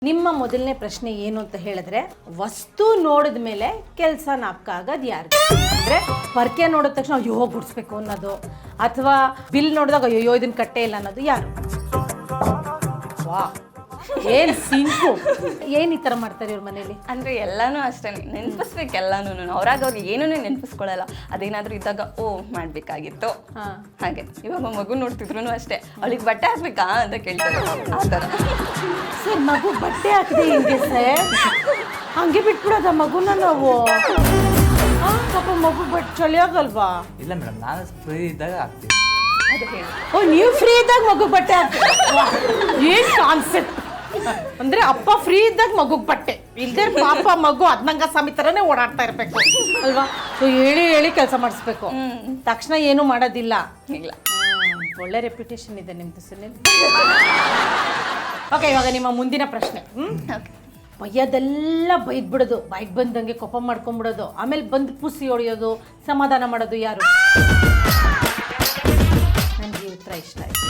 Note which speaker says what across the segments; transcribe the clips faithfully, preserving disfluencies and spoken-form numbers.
Speaker 1: ನಿಮ್ಮ ಮೊದಲನೇ ಪ್ರಶ್ನೆ ಏನು ಅಂತ ಹೇಳಿದ್ರೆ, ವಸ್ತು ನೋಡಿದ ಮೇಲೆ ಕೆಲಸ ನಾಪಕ ಆಗೋದು ಯಾರು? ಅಂದ್ರೆ ಪರ್ಕೆ ನೋಡಿದ ತಕ್ಷಣ ಅಯ್ಯೋ ಗುಡಿಸ್ಬೇಕು ಅನ್ನೋದು, ಅಥವಾ ಬಿಲ್ ನೋಡಿದಾಗ ಅಯ್ಯೋ ಇದನ್ನ ಕಟ್ಟೆ ಇಲ್ಲ ಅನ್ನೋದು ಯಾರು? ವಾ ಏನ್ ಸಿಂಕು, ಏನ್ ಈ ತರ ಮಾಡ್ತಾರೆ ಇವ್ರ ಮನೇಲಿ?
Speaker 2: ಅಂದ್ರೆ ಎಲ್ಲಾನು ಅಷ್ಟೇ, ನೆನಪಿಸ್ಬೇಕು ಎಲ್ಲಾನು. ಅವ್ರಾಗ ಅವ್ರು ಏನೂ ನೆನಪಿಸ್ಕೊಳ್ಳಲ್ಲ. ಅದೇನಾದ್ರೂ ಇದ್ದಾಗ ಓ ಮಾಡ್ಬೇಕಾಗಿತ್ತು ಹಾಗೆ. ಇವಾಗ ಮಗು ನೋಡ್ತಿದ್ರು ಅಷ್ಟೇ, ಅವಳಿಗೆ ಬಟ್ಟೆ ಹಾಕ್ಬೇಕಾ ಅಂತ ಕೇಳ್ತಾರೆ ಆ ಥರ.
Speaker 1: ಸರ್ ಮಗು ಬಟ್ಟೆ ಹಾಕಿದೆ ಹಿಂಗೆ ಸರ್, ಹಂಗೆ ಬಿಟ್ಬಿಡೋದ ಮಗುನ ನಾವು? ಪಾಪ ಮಗು ಬಟ್ಟೆ ಚಳಿ ಆಗಲ್ವಾ?
Speaker 3: ಇಲ್ಲ ಮೇಡಮ್, ನಾನು ಫ್ರೀ ಇದ್ದಾಗ ಹಾಕ್ತೀನಿ.
Speaker 2: ಅದು ಹೇಳಿ.
Speaker 1: ಓ ನೀವು ಫ್ರೀ ಇದ್ದಾಗ ಮಗು ಬಟ್ಟೆ ಹಾಕ್ತೀರಾ? ಏನ್ ಕಾನ್ಸೆಪ್ಟ್ ಅಂದ್ರೆ ಅಪ್ಪ ಫ್ರೀ ಇದ್ದಾಗ ಮಗುಗ್ ಬಟ್ಟೆ ಇಲ್ದೇ ಪಾಪ ಮಗು ಅದ್ನಂಗ ಸ್ವಾಮಿ ತರನೇ ಓಡಾಡ್ತಾ ಇರ್ಬೇಕು ಅಲ್ವಾ? ಸೊ ಹೇಳಿ ಹೇಳಿ ಕೆಲಸ ಮಾಡಿಸ್ಬೇಕು, ತಕ್ಷಣ ಏನು ಮಾಡೋದಿಲ್ಲ.
Speaker 2: ಇಲ್ಲ,
Speaker 1: ಒಳ್ಳೆ ರೆಪ್ಯುಟೇಷನ್ ಇದೆ ನಿಮ್ದು ಸುನಿಲ್. ಓಕೆ, ಇವಾಗ ನಿಮ್ಮ ಮುಂದಿನ ಪ್ರಶ್ನೆ. ಹ್ಮ್ ಬೈಯೋದೆಲ್ಲ ಬೈದ್ಬಿಡೋದು, ಬೈಕ್ ಬಂದಂಗೆ ಕೋಪ ಮಾಡ್ಕೊಂಡ್ಬಿಡೋದು, ಆಮೇಲೆ ಬಂದು ಪುಸಿ ಹೊಡೆಯೋದು, ಸಮಾಧಾನ ಮಾಡೋದು ಯಾರು? ನನಗೆ ಉತ್ತರ ಇಷ್ಟ ಆಯ್ತು.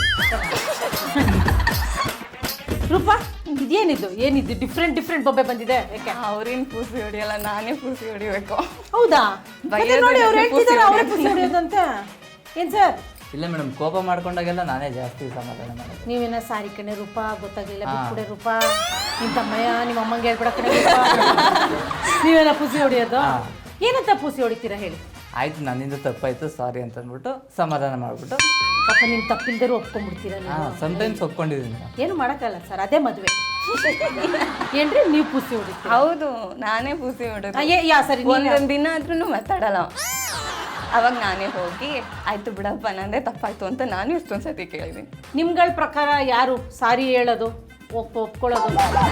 Speaker 1: ರೂಪಾ, ಇದೇನಿದು ಏನಿದು ಡಿಫ್ರೆಂಟ್ ಡಿಫ್ರೆಂಟ್ ಬೊಬ್ಬೆ ಬಂದಿದೆ? ಯಾಕೆ?
Speaker 2: ಅವ್ರೇನು ಪೂಸಿ ಹೊಡಿಯಲ್ಲ, ನಾನೇ ಪೂಸಿ ಹೊಡಿಬೇಕು.
Speaker 1: ಹೌದಾ?
Speaker 2: ಬೈಯೋದು
Speaker 1: ನೋಡಿ ಅವ್ರು
Speaker 2: ಪೂಸಿ
Speaker 1: ಹೇಳ್ತಿದ್ದಾರೆ ಅವರೇ
Speaker 2: ಹೊಡಿಯೋದು.
Speaker 1: ಪುಸಿ ಹೊಡೆಯೋದಂತ. ಏನ್ ಸರ್?
Speaker 3: ಇಲ್ಲ ಮೇಡಮ್, ಕೋಪ ಮಾಡ್ಕೊಂಡಾಗೆಲ್ಲ ನಾನೇ ಜಾಸ್ತಿ ಸಮಾಧಾನ ಮಾಡೋದು.
Speaker 1: ನೀವೇನ ಸಾರಿ ಕಣೆ ರೂಪಾ, ಗೊತ್ತಾಗ್ಲಿಲ್ಲ ಬಿಟ್ಬಿಡೆ ರೂಪಾ, ನಿಮ್ ತಮ್ಮಯ್ಯ ನಿಮ್ಮ ಅಮ್ಮಂಗೆ ಹೇಳ್ಬಿಡ ಕಣೆ ರೂಪಾ. ನೀವೇನ ಪುಸಿ ಹೊಡಿಯೋದು? ಏನಂತ ಪುಸಿ ಹೊಡಿತೀರಾ ಹೇಳಿ?
Speaker 3: ಆಯ್ತು, ನನ್ನಿಂದ ತಪ್ಪಾಯ್ತು ಸಾರಿ ಅಂತ ಅಂದ್ಬಿಟ್ಟು ಸಮಾಧಾನ ಮಾಡ್ಬಿಟ್ಟು,
Speaker 1: ಪಾಪ ನಿಮ್ ತಪ್ಪಿಲ್ದರೂ ಒಪ್ಕೊಂಡ್ಬಿಡ್ತೀರಾ
Speaker 3: ಹಾ
Speaker 1: ನೀವು?
Speaker 3: ಸಮ್ಟೈಮ್ಸ್ ಒಪ್ಕೊಂಡಿದ್ದೀನಿ.
Speaker 1: ಏನು ಮಾಡಕ್ಕಲ್ಲ ಸರ್, ಅದೇ ಮದುವೆ. ಏನ್ರಿ ನೀವು ಪುಸಿ ಹೊಡಿತೀರಾ?
Speaker 2: ಹೌದು, ನಾನೇ ಪೂಸಿ ಹೊಡೋದು.
Speaker 1: ಆ, ಏ- ಯಾ ಸರಿ ನೀವ್ ಯಾ-
Speaker 2: ಒಂದೊಂದು ದಿನ ಆದ್ರೂ ಮಾತಾಡಲ್ಲ. ಅವಾಗ ನಾನೇ ಹೋಗಿ ಆಯ್ತು ಬಿಡಪ್ಪ ನಂದೇ ತಪ್ಪಾಯ್ತು ಅಂತ ನಾನು ಎಷ್ಟೊಂದು ಸತಿ ಕೇಳಿದ್ದೀನಿ.
Speaker 1: ನಿಮ್ಗಳ ಪ್ರಕಾರ ಯಾರು ಸಾರಿ ಹೇಳೋದು, ಒಪ್ ಒಪ್ಕೊಳ್ಳೋದು?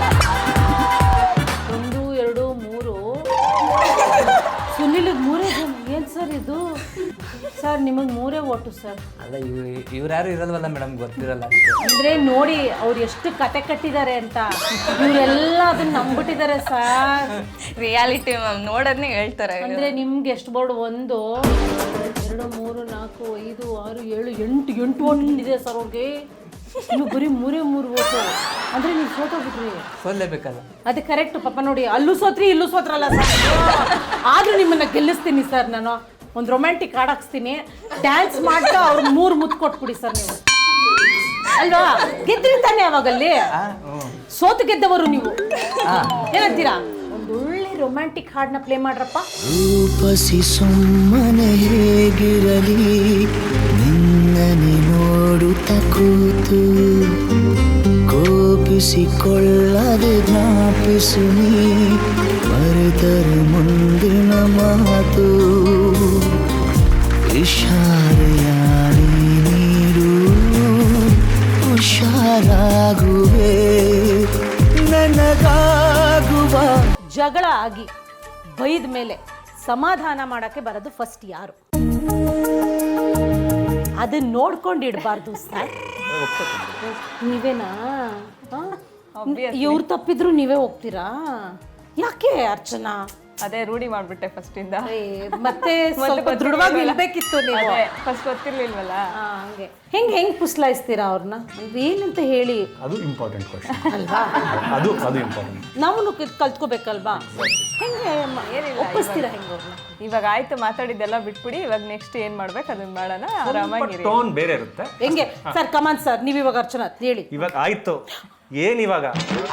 Speaker 1: ಒಂದು ಎರಡು ಮೂರು, ಸುನಿಲಿಗೆ ಮೂರೇ ಜನ. ಏನು ಸರ್ ಇದು? ಸರ್ ನಿಮಗೆ ಮೂರೇ ಓಟು ಸರ್.
Speaker 3: ಅಲ್ಲ, ಇವ್ ಇವ್ರು ಯಾರು ಇರಲ್ವಲ್ಲ ಮೇಡಮ್, ಗೊತ್ತಿರಲ್ಲ ಅದಕ್ಕೆ.
Speaker 1: ಅಂದ್ರೆ ನೋಡಿ ಅವ್ರು ಎಷ್ಟು ಕತೆ ಕಟ್ಟಿದ್ದಾರೆ ಅಂತ, ಇವರೆಲ್ಲ ಅದನ್ನ ನಂಬಿಟ್ಟಿದ್ದಾರೆ ಸರ್.
Speaker 2: ರಿಯಾಲಿಟಿ ಮ್ಯಾಮ್ ನೋಡೋದನ್ನೇ ಹೇಳ್ತಾರೆ.
Speaker 1: ಅಂದ್ರೆ ನಿಮ್ಗೆ ಎಷ್ಟು ಬೋರ್ಡ್? ಒಂದು ಎರಡು ಮೂರು ನಾಲ್ಕು ಐದು ಆರು ಏಳು ಎಂಟು ಎಂಟು ಓಟ್ ಇದೆ ಸರ್ ಅವ್ರಿಗೆ. ನೀವು ಬರೀ ಮೂರೇ ಮೂರು ಓಟು ಅಂದ್ರೆ ನೀವು ಸೋತೋಗ್ಬಿಟ್ರಿ.
Speaker 3: ಸೋಲ್ಲೇಬೇಕಲ್ಲ.
Speaker 1: ಅದೇ ಕರೆಕ್ಟ್ ಪಾಪ. ನೋಡಿ ಅಲ್ಲೂ ಸೋತ್ರಿ ಇಲ್ಲೂ ಸೋತ್ರಲ್ಲ ಸರ್, ಆದ್ರೂ ನಿಮ್ಮನ್ನ ಗೆಲ್ಲಿಸ್ತೀನಿ ಸರ್. ನಾನು ಒಂದು ರೊಮ್ಯಾಂಟಿಕ್ ಹಾಡ್ ಹಾಕ್ಸ್ತೀನಿ, ಡ್ಯಾನ್ಸ್ ಮಾಡ್ತಾ ಅವ್ರು ಮೂರು ಮುತ್ತು ಕೊಟ್ಬಿಡಿ ಸರ್ ನೀವು, ಅಲ್ವಾ? ಗೆದ್ರಿ ತಾನೆ ಅವಾಗಲ್ಲಿ, ಸೋತು ಗೆದ್ದವರು ನೀವು. ಏನಂತೀರಾ? ಒಂದು ಒಳ್ಳೆ ರೊಮ್ಯಾಂಟಿಕ್ ಹಾಡ್ನ ಪ್ಲೇ ಮಾಡ್ರಪ್ಪ.
Speaker 4: ರೂಪಸಿ ಸುಮ್ಮನೆ ಹೇಗಿರಲಿ ನಿನ್ನನೆ ನೋಡುತ್ತ ಕೂತು, ಕೋಪಿಸಿಕೊಳ್ಳದೆ ಜ್ಞಾಪಿಸು ನೀ ಮರೆತರೆ ಮುಂದಿನ ಮಾತು. ಇಶಾರೆಯಾರಿ ನೀರು ಹುಷಾರಾಗುವೆ ನನಗಾಗುವ.
Speaker 1: ಜಗಳ ಆಗಿ ಬೈದ ಮೇಲೆ ಸಮಾಧಾನ ಮಾಡಕ್ಕೆ ಬರೋದು ಫಸ್ಟ್ ಯಾರು? ಅದನ್ನ ನೋಡ್ಕೊಂಡು ಇಡಬಾರ್ದು ಸರ್. ನೀವೇನಾ? ಇವ್ರು ತಪ್ಪಿದ್ರು ನೀವೇ ಹೋಗ್ತೀರಾ? ಯಾಕೆ ಅರ್ಚನಾ?
Speaker 2: ಅದೇ ರೂಢಿ ಮಾಡ್ಬಿಟ್ಟೆ ಫಸ್ಟ್ ಇಂದ.
Speaker 1: ಏ, ಮತ್ತೆ ಸ್ವಲ್ಪ ದೃಢವಾಗಿ ನಿಲ್ಬೇಕಿತ್ತು ನೀವು.
Speaker 2: ಫಸ್ಟ್ ಗೊತ್ತಿರ್ಲಿಲ್ವಲ್ಲ.
Speaker 1: ಆ, ಹಂಗೆ ಹೆಂಗ್ ಹೆಂಗ್ ಪುಸ್ಲಾಯಿಸ್ತೀರಾ ಅವ್ರನ್ನ? ಏನಂತ ಹೇಳಿ
Speaker 5: ಅದು ಇಂಪಾರ್ಟೆಂಟ್ ಕ್ವಶನ್
Speaker 1: ಅಲ್ವಾ?
Speaker 5: ಅದು ಅದು ಇಂಪಾರ್ಟೆಂಟ್.
Speaker 1: ನಾವು ಕಲ್ತ್ಕೋಬೇಕಲ್ವಾ? ಹೆಂಗೆ ಒಪ್ಪಿಸ್ತೀರಾ ಹೆಂಗೆ ಅವ್ರನ್ನ?
Speaker 6: ಇವಾಗ ಆಯ್ತು ಮಾತಾಡಿದ್ದೆಲ್ಲ ಬಿಟ್ಬಿಡಿ, ಇವಾಗ ನೆಕ್ಸ್ಟ್ ಏನ್ ಮಾಡ್ಬೇಕು ಅದನ್ನ ಮಾಡೋಣ, ಆರಾಮಾಗಿರಿ.
Speaker 5: ಟೋನ್ ಬೇರೆ ಇರುತ್ತೆ.
Speaker 1: ಹೆಂಗೆ ಸರ್? ಕಮಾನ್ ಸರ್, ನೀವು ಇವಾಗ ಅರ್ಚನಾ ಹೇಳಿ.
Speaker 5: ಇವಾಗ ಆಯ್ತು, ಏನ್ ಇವಾಗ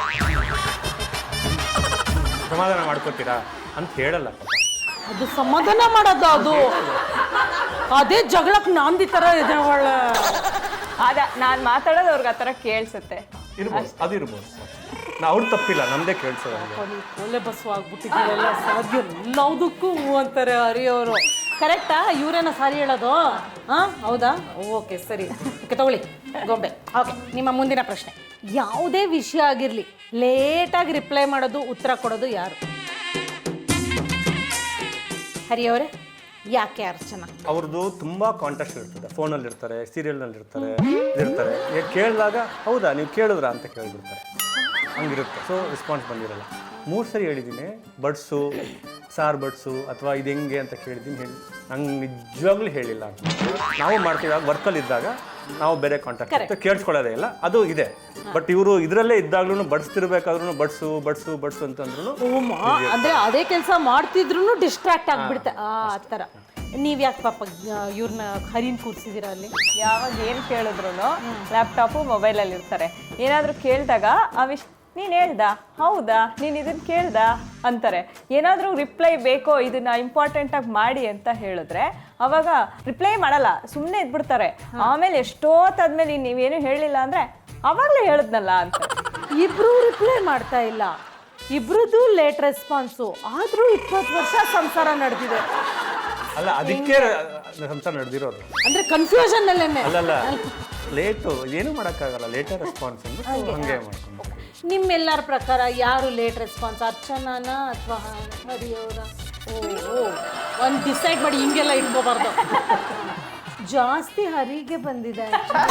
Speaker 5: ಸಮಾಧಾನ ಮಾಡ್ಕೋತೀರಾ ಅಂತ ಹೇಳಲ್ಲ.
Speaker 1: ಅದು ಸಮಾಧಾನ ಮಾಡೋದು, ಅದು ಅದೇ ಜಗಳಕ್ಕೆ ನಾಂದಿ ತರ ಇದೆ ಒಳ್ಳೆ.
Speaker 6: ಅದ ನಾನ್ ಮಾತಾಡೋದು ಅವ್ರಿಗೆ ಆತರ ಕೇಳ್ಸುತ್ತೆ.
Speaker 5: ಇರ್ಬೋದು, ಅದು ಇರ್ಬೋದು. ನಾ ಅವ್ರು ತಪ್ಪಿಲ್ಲ, ನಮ್ದೇ ಕೇಳ್ಸೋದು.
Speaker 1: ಒಳ್ಳೆ ಬಸ್ಸು ಆಗ್ಬಿಟ್ಟಿದ್ದೀರಲ್ಲ ಸಾಧ್ಯ ಎಲ್ಲದಕ್ಕೂ ಹೂ ಅಂತಾರೆ ಹರಿಯವರು. ಕರೆಕ್ಟಾ? ಇವರೇನ ಸಾರಿ ಹೇಳೋದು? ಹಾ ಹೌದಾ? ಓಕೆ ಸರಿ, ಓಕೆ ತಗೊಳ್ಳಿ ಗೊಂಬೆ. ಓಕೆ, ನಿಮ್ಮ ಮುಂದಿನ ಪ್ರಶ್ನೆ. ಯಾವುದೇ ವಿಷಯ ಆಗಿರಲಿ ಲೇಟಾಗಿ ರಿಪ್ಲೈ ಮಾಡೋದು, ಉತ್ತರ ಕೊಡೋದು ಯಾರು? ಹರಿಯವರೇ, ಯಾಕೆ ಅರ್ಚನಾ?
Speaker 5: ಅವ್ರದ್ದು ತುಂಬಾ ಕಾಂಟ್ಯಾಕ್ಟ್ ಇರ್ತದೆ, ಫೋನಲ್ಲಿ ಇರ್ತಾರೆ, ಸೀರಿಯಲ್ನಲ್ಲಿ ಇರ್ತಾರೆ, ಇರ್ತಾರೆ. ಕೇಳಿದಾಗ ಹೌದಾ ನೀವು ಕೇಳಿದ್ರಾ ಅಂತ ಕೇಳಿಬಿಡ್ತಾರೆ, ಹಂಗಿರುತ್ತೆ. ಸೊ ರೆಸ್ಪಾನ್ಸ್ ಬಂದಿರಲ್ಲ. ಮೂರು ಸರಿ ಹೇಳಿದ್ದೀನಿ ಬಡ್ಸು, ಸಾರು ಬಡ್ಸು ಅಥವಾ ಇದು ಹೆಂಗೆ ಅಂತ ಕೇಳಿದ್ದೀನಿ, ಹೇಳಿ ನಂಗೆ ನಿಜವಾಗ್ಲೂ ಹೇಳಿಲ್ಲ ಅಂತ. ನಾವು ಮಾಡ್ತೀವಿ, ಆಗ ವರ್ಕಲ್ಲಿ ಇದ್ದಾಗ ನಾವು ಬೇರೆ ಕಾಂಟ್ಯಾಕ್ಟ್ ಕೇಳಿಸ್ಕೊಳ್ಳೋದೇ ಇಲ್ಲ, ಅದು ಇದೆ. ಬಟ್ ಇವರು ಇದರಲ್ಲೇ ಇದ್ದಾಗ್ಲೂ ಬಡ್ಸ್ತಿರ್ಬೇಕಾದ್ರೂ ಬಡ್ಸು ಬಡ್ಸು ಬಡ್ಸು ಅಂತಂದ್ರು
Speaker 1: ಅಂದ್ರೆ ಅದೇ ಕೆಲಸ ಮಾಡ್ತಿದ್ರು ಡಿಸ್ಟ್ರಾಕ್ಟ್ ಆಗ್ಬಿಡುತ್ತೆ ಆ ಥರ. ನೀವ್ ಯಾಕೆ ಪಾಪ ಇವ್ರನ್ನ ಹರಿನ್ ಕೂರ್ಸಿದೀರ ಅಲ್ಲಿ?
Speaker 6: ಯಾವಾಗ ಏನು ಕೇಳಿದ್ರು ಲ್ಯಾಪ್ಟಾಪು ಮೊಬೈಲಲ್ಲಿ ಇರ್ತಾರೆ. ಏನಾದರೂ ಕೇಳಿದಾಗ ಅವಿಶ್ ನೀನು ಹೇಳ್ದ ಹೌದಾ ನೀನು ಇದನ್ನು ಕೇಳ್ದ ಅಂತಾರೆ. ಏನಾದರೂ ರಿಪ್ಲೈ ಬೇಕೋ ಇದನ್ನ ಇಂಪಾರ್ಟೆಂಟಾಗಿ ಮಾಡಿ ಅಂತ ಹೇಳಿದ್ರೆ ಅವಾಗ ರಿಪ್ಲೈ ಮಾಡಲ್ಲ, ಸುಮ್ಮನೆ ಇದ್ಬಿಡ್ತಾರೆ. ಆಮೇಲೆ ಎಷ್ಟೊತ್ತಾದ್ಮೇಲೆ ನೀವೇನು ಹೇಳಿಲ್ಲ ಅಂದರೆ ಅವಾಗಲೇ ಹೇಳಿದ್ನಲ್ಲ ಅಂತ.
Speaker 1: ಇಬ್ರು ರಿಪ್ಲೈ ಮಾಡ್ತಾ ಇಲ್ಲ, ಇಬ್ರದ್ದು ಲೇಟ್ ರೆಸ್ಪಾನ್ಸು, ಆದರೂ ಇಪ್ಪತ್ತು ವರ್ಷ ಸಂಸಾರ ನಡೆದಿದೆ.
Speaker 5: ಅಲ್ಲ ಅದಕ್ಕೆ ಸಂಸಾರ ನಡೆದಿರೋದು.
Speaker 1: ಅಂದ್ರೆ ಕನ್ಫ್ಯೂಷನ್ ಅಲ್ಲೇನೆ.
Speaker 5: ಅಲ್ಲಲ್ಲ ಲೇಟು ಏನು ಮಾಡೋಕ್ಕಾಗಲ್ಲ, ಲೇಟರ್ ರೆಸ್ಪಾನ್ಸ್ ಅಂದ್ರೆ ಹಂಗೆ ಮಾಡ್ಕೊಂಡು.
Speaker 1: ನಿಮ್ಮೆಲ್ಲರ ಪ್ರಕಾರ ಯಾರು ಲೇಟ್ ರೆಸ್ಪಾನ್ಸ್, ಅರ್ಚನಾನ ಅಥವಾ ಹರಿಯವರ? ಓ ಒಂದು ಡಿಸೈಡ್ ಮಾಡಿ ಹಿಂಗೆಲ್ಲ ಇಟ್ಕೋಬಾರ್ದು. ಜಾಸ್ತಿ ಹರಿಗೆ ಬಂದಿದೆ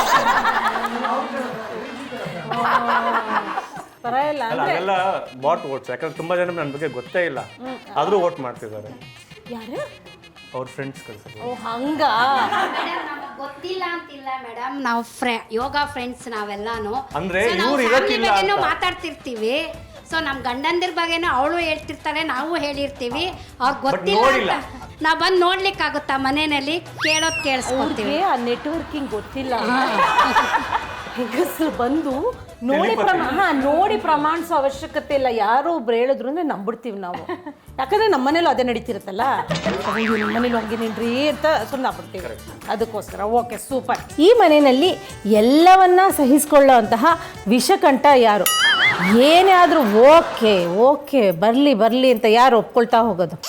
Speaker 1: ಪರವಾಗಿಲ್ಲ
Speaker 5: ಅಲ್ಲ ಅದೆಲ್ಲ ಬಾಟ್ ವೋಟ್ಸ್, ಯಾಕಂದ್ರೆ ತುಂಬಾ ಜನ ನನ್ನ ಬಗ್ಗೆ ಗೊತ್ತೇ ಇಲ್ಲ ಆದ್ರೂ ವೋಟ್ ಮಾಡ್ತಿದ್ದಾರೆ.
Speaker 1: ಯಾರು?
Speaker 5: ಅವ್ರ ಫ್ರೆಂಡ್ಸ್ ಕಳ್ಸೋದು.
Speaker 1: ಓ ಹಂಗ
Speaker 7: ಗೊತ್ತಿಲ್ಲ ಅಂತಿಲ್ಲ ಮೇಡಮ್, ನಾವು ಫ್ರೆ ಯೋಗ ಫ್ರೆಂಡ್ಸ್ ನಾವೆಲ್ಲಾನು.
Speaker 5: ಅಂದ್ರೆ
Speaker 7: So, ನಾವು
Speaker 5: ಇವ್ರು
Speaker 7: family
Speaker 5: ಇರಕ್ಕಿಲ್ಲ
Speaker 7: ಬಗ್ಗೆನೂ
Speaker 5: ಅಂತ.
Speaker 7: ಮಾತಾಡ್ತಿರ್ತೀವಿ. ಸೊ ನಮ್ ಗಂಡಂದಿರ ಬಗ್ಗೆನೂ ಅವಳು ಹೇಳ್ತಿರ್ತಾಳೆ, ನಾವು ಹೇಳಿರ್ತೀವಿ. ಅವ್ರಿಗೆ ಗೊತ್ತಿಲ್ಲ
Speaker 5: ನೋಡಿಲ್ಲ.
Speaker 7: ಅಂತ ನಾವು ಬಂದು ನೋಡ್ಲಿಕ್ಕಾಗುತ್ತಾ ಮನೆಯಲ್ಲಿ? ಕೇಳೋದ್ ಕೇಳಿಸ್ಕೊತೀವಿ.
Speaker 1: ಅವ್ರಿಗೆ ಆ ನೆಟ್ವರ್ಕಿಂಗ್ ಗೊತ್ತಿಲ್ಲ. ಹೆಂಗಸರು ಬಂದು ನೋಡಿ ಪ್ರಮಾ ಹಾ ನೋಡಿ ಪ್ರಮಾಣಿಸೋ ಅವಶ್ಯಕತೆ ಇಲ್ಲ. ಯಾರೋ ಒಬ್ರು ಹೇಳಿದ್ರು ಅಂದ್ರೆ ನಂಬಿಡ್ತೀವಿ ನಾವು, ಯಾಕಂದ್ರೆ ನಮ್ಮ ಮನೇಲೂ ಅದೇ ನಡೀತಿರುತ್ತಲ್ಲ. ನಿಮ್ಮ ಮನೇಲಿ ಹಂಗೇನೇನ್ರಿ ಅಂತ ಸುಮ್ಮನೆ ಆಗ್ಬಿಡ್ತೀವಿ. ಅದಕ್ಕೋಸ್ಕರ ಓಕೆ ಸೂಪರ್. ಈ ಮನೆಯಲ್ಲಿ ಎಲ್ಲವನ್ನ ಸಹಿಸ್ಕೊಳ್ಳೋ ಅಂತಹ ವಿಷಕಂಠ ಯಾರು? ಏನೇ ಆದರೂ ಓಕೆ ಓಕೆ ಬರಲಿ ಬರಲಿ ಅಂತ ಯಾರು ಒಪ್ಕೊಳ್ತಾ ಹೋಗೋದು?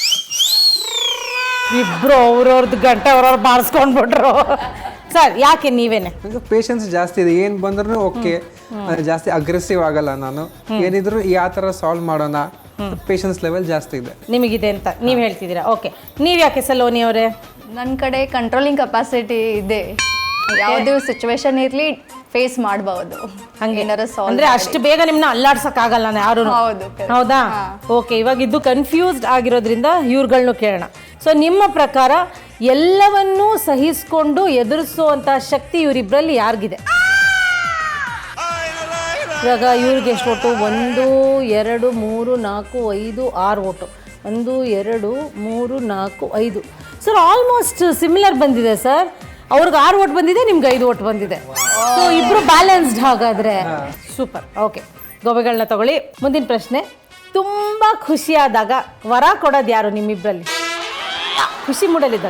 Speaker 1: ಇಬ್ರು ಅವ್ರವ್ರದ್ದು ಗಂಟೆ ಅವ್ರವ್ರು ಬಾರಿಸ್ಕೊಂಡ್ಬಿಟ್ರು. ಸರ್ ಯಾಕೆ ನೀವೇನೆ?
Speaker 8: ಪೇಷನ್ಸ್ ಜಾಸ್ತಿ ಇದೆ, ಏನು ಬಂದ್ರೂ ಓಕೆ, ಜಾಸ್ತಿ ಅಗ್ರೆಸಿವ್ ಆಗಲ್ಲ ನಾನು. ಏನಿದ್ರು ಯಾವ ಥರ ಸಾಲ್ವ್ ಮಾಡೋಣ, ಪೇಷನ್ಸ್ ಲೆವೆಲ್ ಜಾಸ್ತಿ ಇದೆ
Speaker 1: ನಿಮಗಿದೆ ಅಂತ ನೀವು ಹೇಳ್ತಿದ್ದೀರಾ. ಓಕೆ, ನೀವು ಯಾಕೆ ಸಲೋನಿ ಅವರೇ?
Speaker 9: ನನ್ನ ಕಡೆ ಕಂಟ್ರೋಲಿಂಗ್ ಕೆಪಾಸಿಟಿ ಇದೆ, ಯಾವುದೇ ಸಿಚುವೇಶನ್ ಇರಲಿ ಫೇಸ್ ಮಾಡಬಹುದು.
Speaker 1: ಹಂಗೆ
Speaker 9: ಏನಾರ ಸಾಲ್ವ್
Speaker 1: ಅಂದ್ರೆ ಅಷ್ಟು ಬೇಗ ನಿಮ್ಮನ್ನ ಅಲ್ಲಾಡ್ಸಕ್ ಆಗಲ್ಲ ಯಾರು.
Speaker 9: ಹೌದು, correct.
Speaker 1: ಹೌದಾ? ಓಕೆ, ಇವಾಗ ಇದು ಕನ್ಫ್ಯೂಸ್ಡ್ ಆಗಿರೋದ್ರಿಂದ ಇವ್ರುಗಳ್ನು ಕೇಳೋಣ. ಸೊ ನಿಮ್ಮ ಪ್ರಕಾರ ಎಲ್ಲವನ್ನೂ ಸಹಿಸ್ಕೊಂಡು ಎದುರಿಸುವಂತ ಶಕ್ತಿ ಇವರಿಬ್ಬರಲ್ಲಿ ಯಾರಿಗಿದೆ? ಇವಾಗ ಇವ್ರಿಗೆ ಎಷ್ಟು ಓಟು? ಒಂದು ಎರಡು ಮೂರು ನಾಲ್ಕು ಐದು ಆರು ಓಟು. ಒಂದು ಎರಡು ಮೂರು ನಾಲ್ಕು ಐದು. ಸರ್ ಆಲ್ಮೋಸ್ಟ್ ಸಿಮಿಲರ್ ಬಂದಿದೆ ಸರ್. ಅವ್ರಿಗೆ ಆರು ಓಟ್ ಬಂದಿದೆ, ನಿಮ್ಗೆ ಐದು ಓಟ್ ಬಂದಿದೆ. ಸೊ ಇಬ್ರು ಬ್ಯಾಲೆನ್ಸ್ಡ್ ಹಾಗಾದ್ರೆ ಸೂಪರ್. ಓಕೆ, ಗೋಬೆಗಳನ್ನ ತಗೊಳ್ಳಿ. ಮುಂದಿನ ಪ್ರಶ್ನೆ, ತುಂಬಾ ಖುಷಿಯಾದಾಗ ವರ ಕೊಡೋದು ಯಾರು ನಿಮ್ಮಿಬ್ರಲ್ಲಿ? ಖುಷಿ ಮೂಡಲಿದ್ದಾಗ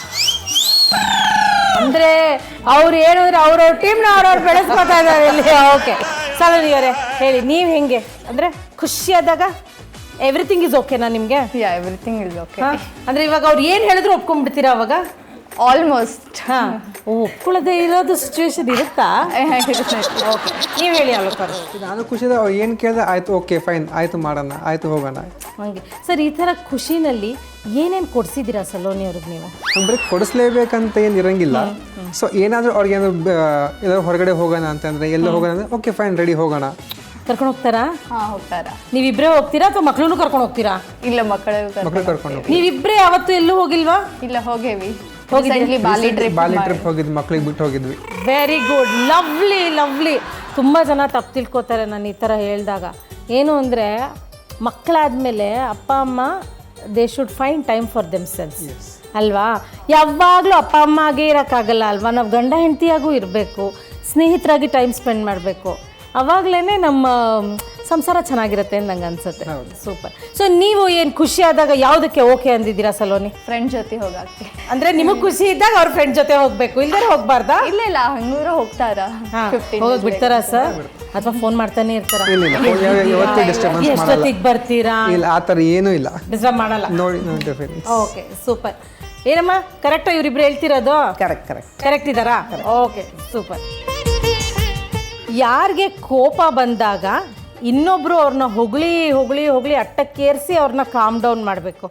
Speaker 1: ಅಂದ್ರೆ ಅವ್ರು ಏನಂದ್ರೆ ಅವ್ರವ್ರ ಟೀಮ್ನ ಅವ್ರವ್ರು ಬೆಳೆಸ್ಕೊತಾ ಇದ್ದಾರೆ ಇಲ್ಲಿ. ಓಕೆ ಸಲೋನಿ ಅವರೇ ಹೇಳಿ, ನೀವು ಹೆಂಗೆ ಅಂದ್ರೆ ಖುಷಿಯಾದಾಗ ಎವ್ರಿಥಿಂಗ್ ಇಸ್ ಓಕೆನಾ ನಿಮ್ಗೆ?
Speaker 9: Yeah everything is okay.
Speaker 1: ಅಂದ್ರೆ ಇವಾಗ ಅವ್ರು ಏನು ಹೇಳಿದ್ರು ಒಪ್ಕೊಂಡ್ಬಿಡ್ತೀರಾ ಅವಾಗ?
Speaker 9: ಆಲ್ಮೋಸ್ಟ್.
Speaker 1: ಹಾ, ಒಪ್ಕೊಳ್ಳದೆ ಇರೋದು ಸಿಚುವೇಶನ್ ಇರುತ್ತಾ? ಓಕೆ, ನೀವು ಹೇಳಿ ಅಲೋಕರ್.
Speaker 8: ನಾನು ಖುಷಿದ ಅವ್ರು ಏನು ಕೇಳಿದ್ರೆ ಆಯ್ತು ಓಕೆ ಫೈನ್ ಆಯ್ತು ಮಾಡೋಣ ಆಯ್ತು ಹೋಗೋಣ
Speaker 1: ಹಂಗೆ. ಸರ್ ಈ ಥರ ಖುಷಿನಲ್ಲಿ ಏನೇನು ಕೊಡಿಸಿದ್ದೀರಾ ಸಲೋನಿ ಅವ್ರಿಗೆ ನೀವು?
Speaker 8: ಅಂದ್ರೆ ಕೊಡಿಸ್ಲೇಬೇಕಂತ ಏನು ಇರಂಗಿಲ್ಲ. ಸೊ ಏನಾದರೂ ಅವ್ರಿಗೆ ಏನಾದ್ರು ಎಲ್ಲರೂ ಹೊರಗಡೆ ಹೋಗೋಣ ಅಂತಂದ್ರೆ ಎಲ್ಲ ಹೋಗೋಣ ಅಂದ್ರೆ ಓಕೆ ಫೈನ್ ರೆಡಿ ಹೋಗೋಣ.
Speaker 1: ಕರ್ಕೊಂಡು ಹೋಗ್ತಾರಾ?
Speaker 9: ಹಾ ಹೋಗ್ತಾರ.
Speaker 1: ನೀವಿಬ್ಬರೇ ಹೋಗ್ತೀರಾ ಅಥವಾ ಮಕ್ಕಳನ್ನು ಕರ್ಕೊಂಡು ಹೋಗ್ತೀರಾ?
Speaker 9: ಇಲ್ಲ ಮಕ್ಕಳು
Speaker 8: ಮಕ್ಕಳು ಕರ್ಕೊಂಡು
Speaker 1: ನೀವಿಬ್ಬರೇ ಯಾವತ್ತೂ ಎಲ್ಲೂ ಹೋಗಿಲ್ವಾ?
Speaker 9: ಇಲ್ಲ ಹೋಗೇವಿ.
Speaker 1: ಹೋಗಿದ್ರಿ?
Speaker 9: ಬಾಲಿ ಟ್ರಿಪ್
Speaker 8: ಬಾಲಿ ಟ್ರಿಪ್ ಹೋಗಿದ್ವಿ, ಮಕ್ಳಿಗೆ ಬಿಟ್ಟು ಹೋಗಿದ್ವಿ.
Speaker 1: Very good, lovely lovely. ತುಂಬ ಜನ ತಪ್ಪು ತಿಳ್ಕೊತಾರೆ ನಾನು ಈ ಥರ ಹೇಳಿದಾಗ. ಏನು ಅಂದರೆ ಮಕ್ಕಳಾದಮೇಲೆ ಅಪ್ಪ ಅಮ್ಮ they should find time for themselves ಅಲ್ವಾ? ಯಾವಾಗಲೂ ಅಪ್ಪ ಅಮ್ಮ ಆಗೇ ಇರೋಕ್ಕಾಗಲ್ಲ ಅಲ್ವಾ? ನಾವು ಗಂಡ ಹೆಂಡತಿಯಾಗೂ ಇರಬೇಕು, ಸ್ನೇಹಿತರಾಗಿ ಟೈಮ್ ಸ್ಪೆಂಡ್ ಮಾಡಬೇಕು. ಅವಾಗಲೇ ನಮ್ಮ ಸಂಸಾರ ಚೆನ್ನಾಗಿರುತ್ತೆ ಅಂತ ನಂಗೆ ಅನ್ಸುತ್ತೆ. ಸೂಪರ್. ಸೊ ನೀವು ಏನು ಖುಷಿ ಆದಾಗ ಯಾವುದಕ್ಕೆ ಓಕೆ ಅಂದಿದ್ದೀರಾ ಸಲೋನಿ?
Speaker 9: ಫ್ರೆಂಡ್ ಜೊತೆ ಹೋಗಕ್ಕೆ.
Speaker 1: ಅಂದರೆ ನಿಮಗೆ ಖುಷಿ ಇದ್ದಾಗ ಅವ್ರ ಫ್ರೆಂಡ್ ಜೊತೆ ಹೋಗಬೇಕು, ಇಲ್ಲದೇ ಹೋಗ್ಬಾರ್ದಾ?
Speaker 9: ಇಲ್ಲ ಇಲ್ಲ ಹಂಗೂರು ಹೋಗ್ತಾರ.
Speaker 1: ಹೋಗಿ ಬಿಡ್ತಾರಾ ಸರ್? ಅಥವಾ ಫೋನ್ ಮಾಡ್ತಾನೆ ಇರ್ತಾರ?
Speaker 8: ಇಲ್ಲ ಇಲ್ಲ ಯಾವತ್ತೂ ಡಿಸ್ಟರ್ಬೆನ್ಸ್ ಮಾಡಲ್ಲ.
Speaker 1: ಎಷ್ಟೊತ್ತಿಗೆ ಬರ್ತೀರಾ?
Speaker 8: ಇಲ್ಲ ಆ ಥರ ಏನೂ ಇಲ್ಲ,
Speaker 1: ಡಿಸ್ಟರ್ಬ್ ಮಾಡಲ್ಲ.
Speaker 8: ನೋಡಿ ನೋಡಿ.
Speaker 1: Okay super. ಏನಮ್ಮ ಕರೆಕ್ಟಾ ಇವ್ರಿಬ್ರು ಹೇಳ್ತಿರೋದು?
Speaker 10: ಕರೆಕ್ಟ್ ಕರೆಕ್ಟ್
Speaker 1: ಕರೆಕ್ಟ್ ಇದ್ದಾರಾ? Okay super. ಯಾರಿಗೆ ಕೋಪ ಬಂದಾಗ ಇನ್ನೊಬ್ರು ಅವ್ರನ್ನ ಹೊಗಳಿ ಹೊಗಳಿ ಹೊಗಳಿ ಅಟ್ಟಕ್ಕೇರಿಸಿ ಅವ್ರನ್ನ ಕಾಮ್ ಡೌನ್ ಮಾಡಬೇಕು.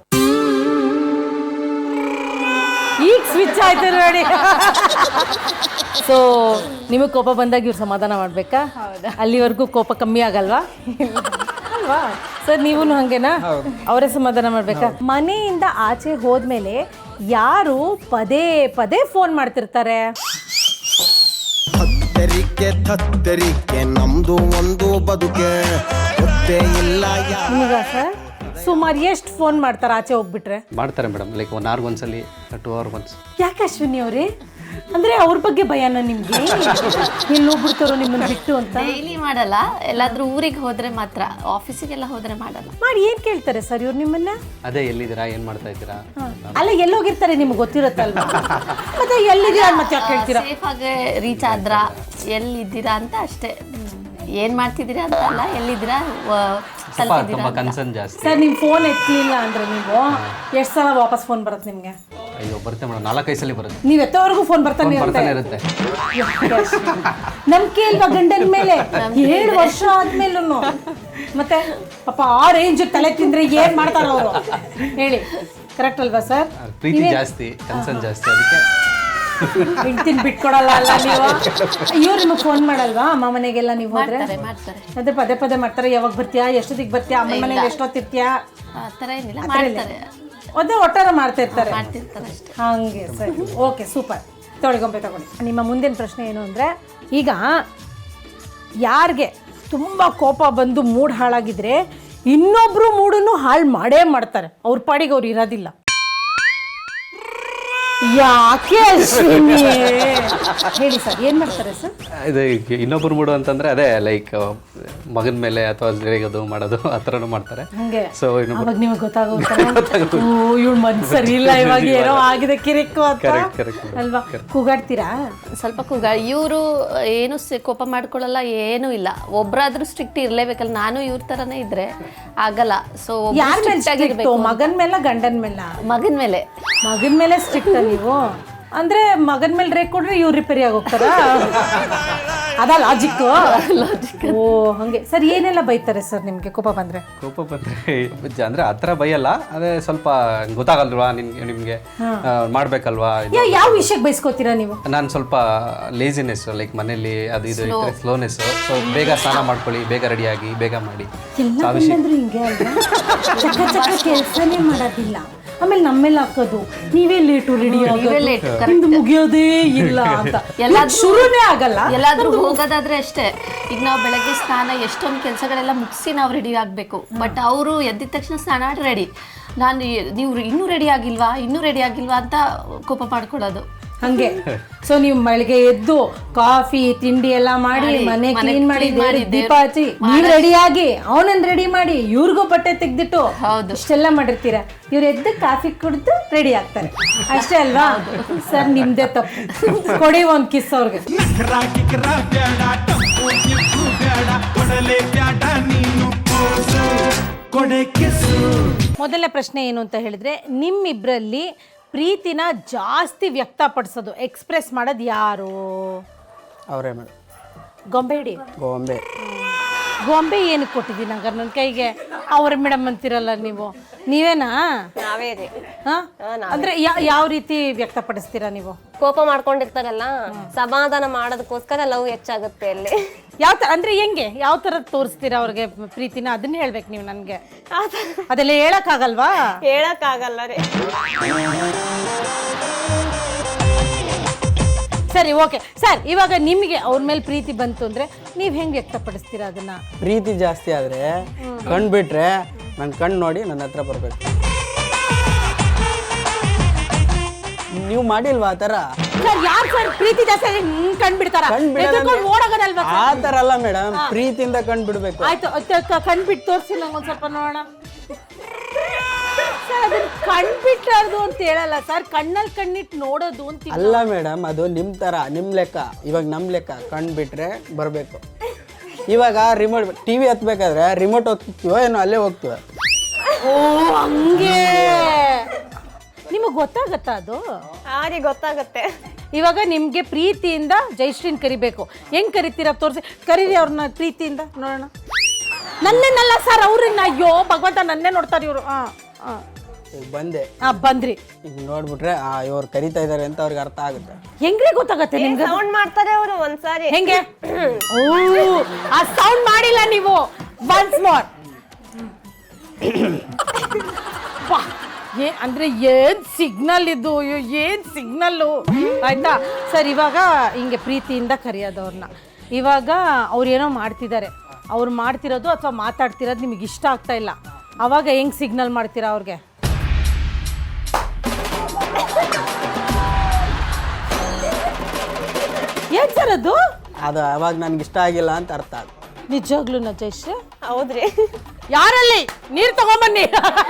Speaker 1: ಈಗ ಸ್ವಿಚ್ ಆಯ್ತು ನೋಡಿ. ಸೊ ನಿಮಗೆ ಕೋಪ ಬಂದಾಗ ಇವ್ರು ಸಮಾಧಾನ ಮಾಡಬೇಕಾ? ಅಲ್ಲಿವರೆಗೂ ಕೋಪ ಕಮ್ಮಿ ಆಗಲ್ವಾ? ಅಲ್ವಾ ಸರ್? ನೀವು ಹಂಗೇನಾ? ಅವರೇ ಸಮಾಧಾನ ಮಾಡಬೇಕಾ? ಮನೆಯಿಂದ ಆಚೆ ಹೋದ್ಮೇಲೆ ಯಾರು ಪದೇ ಪದೇ ಫೋನ್ ಮಾಡ್ತಿರ್ತಾರೆ?
Speaker 10: ಹೆದರಿಕೆ ತತ್ತರಿಕೆ ನಮ್ದು ಒಂದು ಬದುಕೆ ಗೊತ್ತೇ ಇಲ್ಲ ಯಾ
Speaker 1: ನಿಮಗ ಸರ್ ಸುಮಾರು ಎಷ್ಟು ಫೋನ್ ಮಾಡ್ತಾರೆ ಆಚೆ ಹೋಗ್ಬಿಟ್ರೆ?
Speaker 11: ಮಾಡ್ತಾರೆ ಮೇಡಮ್, ಲೈಕ್ ಒನ್ ಅವರ್ ಒಂದ್ಸಲಿ ಟೂ ಅವರ್ ಒನ್ಸ್.
Speaker 1: ಯಾಕೆ ಅಶ್ವಿನಿ ಅವರೇ, ಅಂದ್ರೆ ಅವ್ರ ಬಗ್ಗೆ ಭಯನ ನಿಮ್ಗೆ? ಎಲ್ಲಿ ಹೋಗ್ಬಿಡ್ತಾರೋ ನಿಮ್ಮನ್ನ ಬಿಟ್ಟು ಅಂತ?
Speaker 12: ಡೈಲಿ ಮಾಡಲ್ಲ, ಎಲ್ಲಾದ್ರೂ ಊರಿಗೆ ಹೋದ್ರೆ ಮಾತ್ರ, ಆಫೀಸಿಗೆಲ್ಲ ಹೋದ್ರೆ ಮಾಡಲ್ಲ.
Speaker 1: ಮಾಡಿ ಏನ್ ಕೇಳ್ತಾರೆ ಸರ್ ಇವ್ರು ನಿಮ್ಮನ್ನ?
Speaker 11: ಅದೇ ಎಲ್ಲಿದ್ದೀರಾ, ಏನ್ ಮಾಡ್ತಾ ಇದ್ದೀರಾ?
Speaker 1: ಅಲ್ಲ ಎಲ್ಲೋಗಿರ್ತಾರೆ ನಿಮ್ಗೆ ಗೊತ್ತಿರುತ್ತಲ್ವಾ? ಮತ್ತೆ ಎಲ್ಲಿದ್ದೀರಾ ಮತ್ತೆ ಯಾಕೆ ಕೇಳ್ತೀರಾ?
Speaker 12: ಸೇಫ್ ಆಗಿ ರೀಚ್ ಆದ್ರ, ಎಲ್ಲಿದ್ದೀರಾ ಅಂತ ಅಷ್ಟೇ. ಏನ್ ಮಾಡ್ತಿದ್ದೀರಾ ಅಂತ ಅಲ್ಲ, ಎಲ್ಲಿದ್ದೀರಾ
Speaker 11: ತುಂಬಾ ಕನ್ಸರ್ನ್ ಜಾಸ್ತಿ.
Speaker 1: ಸರ್ ನಿಮ್ ಫೋನ್ ಎತ್ತಲಿಲ್ಲ ಅಂದ್ರೆ ನೀವು ಎಷ್ಟು ಸಲ ವಾಪಸ್ ಫೋನ್ ಬರುತ್ತೆ ನಿಮ್ಗೆ?
Speaker 11: ಅಯ್ಯೋ ಬರುತ್ತೆ ಮೇಡಮ್, ನಾಲ್ಕೈದು ಸಲ ಬರುತ್ತೆ.
Speaker 1: ನೀವ್ ಎತ್ತೋವರೆಗೂ ಫೋನ್ ಬರ್ತಾನೆ
Speaker 11: ಬರ್ತಾನೆ ಇರುತ್ತೆ.
Speaker 1: ನಂಬಿಕೆ ಇಲ್ವಾ ಗಂಡನ ಮೇಲೆ? ಏಳು ವರ್ಷ ಆದ್ಮೇಲೂ ಮತ್ತೆ ಪಾಪ ಆ ರೇಂಜ್ ತಲೆ ತಿಂದ್ರೆ ಏನ್ ಮಾಡ್ತಾರ ಅವರು ಹೇಳಿ? ಕರೆಕ್ಟ್ ಅಲ್ವಾ ಸರ್?
Speaker 11: ಪ್ರೀತಿ ಜಾಸ್ತಿ, ಕನ್ಸರ್ನ್ ಜಾಸ್ತಿ, ಅದಕ್ಕೆ
Speaker 1: ಹೆಂಡ್ತಿನ ಬಿಟ್ಕೊಡಲ್ಲ ಅಲ್ಲ ನೀವು? ಇವ್ರು ನಿಮಗೆ ಫೋನ್ ಮಾಡಲ್ವಾ ಅಮ್ಮ ಮನೆಗೆಲ್ಲ ನೀವು ಹೋದ್ರೆ?
Speaker 12: ಮಾಡ್ತಾರೆ.
Speaker 1: ಅದೇ ಪದೇ ಪದೇ ಮಾಡ್ತಾರೆ. ಯಾವಾಗ ಬರ್ತೀಯಾ, ಎಷ್ಟೊತ್ತಿಗೆ ಬರ್ತೀಯಾ, ಅಮ್ಮ ಮನೇಲಿ ಎಷ್ಟೊತ್ತಿರ್ತೀಯಾ?
Speaker 12: ಆ ಥರ ಏನಿಲ್ಲ, ಮಾಡ್ತಾರೆ.
Speaker 1: ಅದೇ ಒಟ್ಟಾರ ಮಾಡ್ತಾ ಇರ್ತಾರೆ.
Speaker 12: ಮಾಡ್ತಿರ್ತಾರೆ ಅಷ್ಟೇ.
Speaker 1: ಹಂಗೆ ಸರಿ, ಓಕೆ ಸೂಪರ್. ತೊಳಿಗೊಂಬೆ ತಗೊಳ್ಳಿ. ನಿಮ್ಮ ಮುಂದಿನ ಪ್ರಶ್ನೆ ಏನು ಅಂದರೆ, ಈಗ ಯಾರಿಗೆ ತುಂಬ ಕೋಪ ಬಂದು ಮೂಡ್ ಹಾಳಾಗಿದ್ರೆ ಇನ್ನೊಬ್ರು ಮೂಡನ್ನು ಹಾಳು ಮಾಡೇ ಮಾಡ್ತಾರೆ. ಅವ್ರ ಪಾಡಿಗೆ ಅವ್ರು ಇರೋದಿಲ್ಲ. ಯಾಕೆ ಅಶ್ವಿನಿ? ಹೇಳಿ ಸರ್, ಏನ್ ಮಾಡ್ತಾರೆ ಸರ್?
Speaker 11: ಇದು ಇನ್ನೊಬ್ಬರು ಮೂಡು ಅಂತಂದ್ರೆ ಅದೇ ಲೈಕ್ ಮಗನ ಮೇಲೆ ಅಥವಾ ರೇಗೋದು ಮಾಡೋದು ಆ ಥರನೂ ಮಾಡ್ತಾರೆ.
Speaker 1: ಹಂಗೆ
Speaker 11: ಸೊ
Speaker 1: ಅವಾಗ ನಿಮಗೆ ಗೊತ್ತಾಗುತ್ತೆ, ಓ ಇವಳು ಮನ್ಸು ಸರಿ ಇಲ್ಲ, ಇವಾಗ ಏನೋ ಆಗಿದೆ ಕಿರಿಕು ಅಂತ ಅಲ್ವಾ? ಕೂಗಾಡ್ತೀರಾ?
Speaker 12: ಸ್ವಲ್ಪ ಕೂಗ. ಇವರು ಏನು ಸ- ಕೋಪ ಮಾಡ್ಕೊಳ್ಳಲ್ಲ, ಏನೂ ಇಲ್ಲ. ಒಬ್ರಾದ್ರೂ ಸ್ಟ್ರಿಕ್ಟ್ ಇರ್ಲೇಬೇಕಲ್ಲ. ನಾನು ಇವ್ರ ತರನೇ ಇದ್ರೆ ಆಗಲ್ಲ. ಸೊ
Speaker 1: ಯಾರ ಮೇಲೆ ಸ್ಟ್ರಿಕ್ಟ್? ಮಗನ್ ಮೇಲೆ ಗಂಡನ ಮೇಲೆ?
Speaker 12: ಮಗನ ಮೇಲೆ.
Speaker 1: ಮಗನ ಮೇಲೆ ಸ್ಟ್ರಿಕ್ಟ್ ನೀವು ಅಂದ್ರೆ ಮಗನ ಮೇಲೆ ರೇಕ್ ಕೊಡ್ರೆ ಇವ್ರು ರಿಪೇರಿ ಆಗೋಗ್ತಾರ? ಅದ ಲಾಜಿಕ್? ಓ ಹಂಗೆ. ಸರ್ ಏನೆಲ್ಲ ಬೈತಾರೆ ಸರ್ ನಿಮ್ಗೆ ಕೋಪ ಬಂದ್ರೆ?
Speaker 11: ಕೋಪ ಬಂದ್ರೆ ಅಂದ್ರೆ ಆ ಥರ ಬೈಯಲ್ಲ, ಅದೇ ಸ್ವಲ್ಪ ಗೊತ್ತಾಗಲ್ವಾ ನಿಮ್ಗೆ, ನಿಮ್ಗೆ ಮಾಡ್ಬೇಕಲ್ವಾ?
Speaker 1: ಯಾವ ವಿಷಯಕ್ಕೆ ಬೈಸ್ಕೋತೀರಾ ನೀವು?
Speaker 11: ನಾನು ಸ್ವಲ್ಪ ಲೇಜಿನೆಸ್, ಲೈಕ್ ಮನೇಲಿ ಅದು ಇದು ಇದ್ರೆ ಸ್ಲೋನೆಸ್. ಸೊ ಬೇಗ ಸ್ನಾನ ಮಾಡ್ಕೊಳ್ಳಿ, ಬೇಗ ರೆಡಿಯಾಗಿ ಬೇಗ ಮಾಡಿ.
Speaker 1: ಎಲ್ಲ ಗಂಡಂದ್ರು ಹಿಂಗೆ ಅಲ್ವಾ? ಚಕ್ಕ ಚಕ್ಕ ಕೆಲಸನೇ ಮಾಡೋದಿಲ್ಲ, ಆಮೇಲೆ ನಮ್ಮೇಲೆ ಹಾಕೋದು ನೀವೇ ಲೇಟು ರೆಡಿ ಆಗೋದು, ಮುಗಿಯೋದೇ ಇಲ್ಲ ಅಂತ. ಶುರುನೇ ಆಗಲ್ಲ.
Speaker 12: ಎಲ್ಲಾದ್ರೂ ಹೋಗೋದಾದ್ರೆ ಅಷ್ಟೇ. ಈಗ ನಾವು ಬೆಳಗ್ಗೆ ಸ್ನಾನ ಎಷ್ಟೊಂದು ಕೆಲಸಗಳೆಲ್ಲ ಮುಗಿಸಿ ನಾವು ರೆಡಿ ಆಗಬೇಕು. ಬಟ್ ಅವರು ಎದ್ದಿದ ತಕ್ಷಣ ಸ್ನಾನ ರೆಡಿ. ನಾನು ನೀವು ಇನ್ನೂ ರೆಡಿ ಆಗಿಲ್ವಾ, ಇನ್ನೂ ರೆಡಿ ಆಗಿಲ್ವಾ ಅಂತ ಕೋಪ ಮಾಡ್ಕೊಳ್ಳೋದು
Speaker 1: ಹಂಗೆ. ಸೊ ನೀವು ಬೆಳಗ್ಗೆ ಎದ್ದು ಕಾಫಿ ತಿಂಡಿ ಎಲ್ಲ ಮಾಡಿ, ಮನೆ ಕ್ಲೀನ್ ಮಾಡಿ, ದೀಪ ಹಚ್ಚಿ, ನೀವು ರೆಡಿ ಆಗಿ ಅವನನ್ನ ರೆಡಿ ಮಾಡಿ, ಇವ್ರಿಗೂ ಬಟ್ಟೆ ತೆಗ್ದಿಟ್ಟು ಇಷ್ಟೆಲ್ಲ ಮಾಡಿರ್ತೀರ. ಇವ್ರು ಎದ್ದು ಕಾಫಿ ಕುಡಿದು ರೆಡಿ ಆಗ್ತಾರೆ ಅಷ್ಟೇ ಅಲ್ವಾ? ಸರ್ ನಿಮ್ದೇ ತಪ್ಪು. ಕೊಡಿ ಒಂದ್ ಕಿಸ್ ಅವ್ರಿಗೆ. ಮೊದಲನೇ ಪ್ರಶ್ನೆ ಏನು ಅಂತ ಹೇಳಿದ್ರೆ, ನಿಮ್ಮಿಬ್ರಲ್ಲಿ ಪ್ರೀತಿನ ಜಾಸ್ತಿ ವ್ಯಕ್ತಪಡಿಸೋದು, ಎಕ್ಸ್ಪ್ರೆಸ್ ಮಾಡೋದು ಯಾರು?
Speaker 8: ಅವರೇ ಮೇಡಮ್.
Speaker 1: ಗೊಂಬೆ ಹಿಡಿ.
Speaker 8: ಗೊಂಬೆ
Speaker 1: ಗೊಂಬೆ ಏನಕ್ಕೆ ಕೊಟ್ಟಿದ್ದೀನಿ ಹಂಗಾರೆ ನನ್ನ ಕೈಗೆ? ಅವ್ರ ಮೇಡಮ್ ಅಂತಿರಲ್ಲ ನೀವು, ನೀವೇನಾ?
Speaker 13: ನಾವೇ ರೀ.
Speaker 1: ಅಂದ್ರೆ ಯಾವ ರೀತಿ ವ್ಯಕ್ತಪಡಿಸ್ತೀರಾ ನೀವು?
Speaker 13: ಕೋಪ ಮಾಡ್ಕೊಂಡಿರ್ತಾರಲ್ಲ, ಸಮಾಧಾನ ಮಾಡೋದಕ್ಕೋಸ್ಕರ ಲವ್ ಹೆಚ್ಚಾಗುತ್ತೆ ಅಲ್ಲಿ.
Speaker 1: ಯಾವ ತರ ಅಂದ್ರೆ ಹೆಂಗೆ, ಯಾವ ತರ ತೋರಿಸ್ತೀರಾ ಅವ್ರಿಗೆ ಪ್ರೀತಿನ? ಅದನ್ನ ಹೇಳ್ಬೇಕು ನೀವು ನನ್ಗೆ. ಅದೆಲ್ಲ ಹೇಳಕ್ ಆಗಲ್ವಾ?
Speaker 13: ಹೇಳಕ್ ಆಗಲ್ಲ ರೀ.
Speaker 1: ಸರಿ ಓಕೆ ಸರ್, ಇವಾಗ ನಿಮಗೆ ಅವ್ರ ಮೇಲೆ ಪ್ರೀತಿ ಬಂತು ಅಂದ್ರೆ ನೀವ್ ಹೆಂಗ್ ವ್ಯಕ್ತಪಡಿಸ್ತೀರಾ ಅದನ್ನ?
Speaker 14: ಪ್ರೀತಿ ಜಾಸ್ತಿ ಆದ್ರೆ ಕಣ್ ಬಿಟ್ರೆ ನನ್ನ ಕಣ್ಣು ನೋಡಿ ನನ್ನ ಹತ್ರ ಬರ್ಬೇಕು. ನೀವು ಮಾಡಿಲ್ವಾ ಆ ಥರ?
Speaker 1: ಯಾರು ಸರ್ ಪ್ರೀತಿ ಜಾಸ್ತಿ ಕಂಡ್ಬಿಡ್ತಾರ? ಓಡೋಗೋದಲ್ವಾ?
Speaker 14: ಆ ಥರ ಅಲ್ಲ ಮೇಡಮ್, ಪ್ರೀತಿಯಿಂದ ಕಣ್ ಬಿಡ್ಬೇಕು.
Speaker 1: ಆಯ್ತು, ಕಣ್ಬಿಟ್ಟು ತೋರಿಸಿ ನಂಗೆ ಒಂದ್ ಸ್ವಲ್ಪ ನೋಡೋಣ. ಸರ್ ಅದನ್ನ ಕಣ್ಬಿಟ್ಟಾರ್ದು ಅಂತ ಹೇಳಲ್ಲ ಸರ್, ಕಣ್ಣಲ್ಲಿ ಕಣ್ಣಿಟ್ಟು ನೋಡೋದು ಅಂತ.
Speaker 14: ಅಲ್ಲ ಮೇಡಮ್, ಅದು ನಿಮ್ ತರ, ನಿಮ್ ಲೆಕ್ಕ. ಇವಾಗ ನಮ್ ಲೆಕ್ಕ ಕಣ್ ಬಿಟ್ರೆ ಬರ್ಬೇಕು. ಇವಾಗ ರಿಮೋಟ್ ಟಿವಿ ಹತ್ಬೇಕಾದ್ರೆ ರಿಮೋಟ್ ಹೋಗ್ತೀವೋ ಏನೋ ಅಲ್ಲೇ ಹೋಗ್ತೀವ.
Speaker 1: ಓ ಹಂಗೆ. ನಿಮಗೆ ಗೊತ್ತಾಗತ್ತಾ ಅದು?
Speaker 13: ಹಾಗೆ ಗೊತ್ತಾಗುತ್ತೆ.
Speaker 1: ಇವಾಗ ನಿಮ್ಗೆ ಪ್ರೀತಿಯಿಂದ ಜಯಶ್ರೀನ್ ಕರಿಬೇಕು, ಹೆಂಗ್ ಕರಿತೀರಾ ತೋರಿಸಿ. ಕರೀರಿ ಅವ್ರನ್ನ ಪ್ರೀತಿಯಿಂದ ನೋಡೋಣ. ನನ್ನೇನಲ್ಲ ಸರ್, ಅವ್ರನ್ನ. ಅಯ್ಯೋ ಭಗವಂತ, ನನ್ನೇ ನೋಡ್ತಾರೆ ಇವರು. ಹಾ ಹಾ
Speaker 14: ಬಂದೆ.
Speaker 1: ಹಾ ಬಂದ್ರಿ.
Speaker 14: ಈಗ ನೋಡ್ಬಿಟ್ರೆ ಆ ಇವ್ರು ಕರಿತಾ ಇದಾರೆ ಅಂತ ಅವ್ರಿಗೆ ಅರ್ಥ ಆಗುತ್ತೆ.
Speaker 1: ಹೆಂಗ್ರಿ ಗೊತ್ತಾಗತ್ತೆ ನಿಮ್ಗೆ?
Speaker 13: ಸೌಂಡ್ ಮಾಡ್ತಾರೆ ಅವರು ಒಂದ್ಸಾರಿ.
Speaker 1: ಹೆಂಗೆ? ಓ ಆ ಸೌಂಡ್ ಮಾಡಿಲ್ಲ ನೀವು. Once more. ಏ ಅಂದರೆ ಏನು ಸಿಗ್ನಲ್ ಇದು ಏನು ಸಿಗ್ನಲ್ಲು ಆಯಿತಾ ಸರ್. ಇವಾಗ ಹಿಂಗೆ ಪ್ರೀತಿಯಿಂದ ಕರೆಯೋದು ಅವ್ರನ್ನ. ಇವಾಗ ಅವ್ರು ಏನೋ ಮಾಡ್ತಿದ್ದಾರೆ, ಅವ್ರು ಮಾಡ್ತಿರೋದು ಅಥವಾ ಮಾತಾಡ್ತಿರೋದು ನಿಮಗೆ ಇಷ್ಟ ಆಗ್ತಾ ಇಲ್ಲ, ಆವಾಗ ಹೆಂಗೆ ಸಿಗ್ನಲ್ ಮಾಡ್ತೀರಾ ಅವ್ರಿಗೆ? ಏನು ಸರ್ ಅದು?
Speaker 14: ಅದು ಅವಾಗ ನನ್ಗೆ ಇಷ್ಟ ಆಗಿಲ್ಲ ಅಂತ ಅರ್ಥ ಅದು.
Speaker 1: ನಿಜವಾಗ್ಲೂ ನಜೇಶ್?
Speaker 13: ಹೌದ್ರಿ.
Speaker 1: ಯಾರಲ್ಲಿ ನೀರು ತಗೊಂಬನ್ನಿ.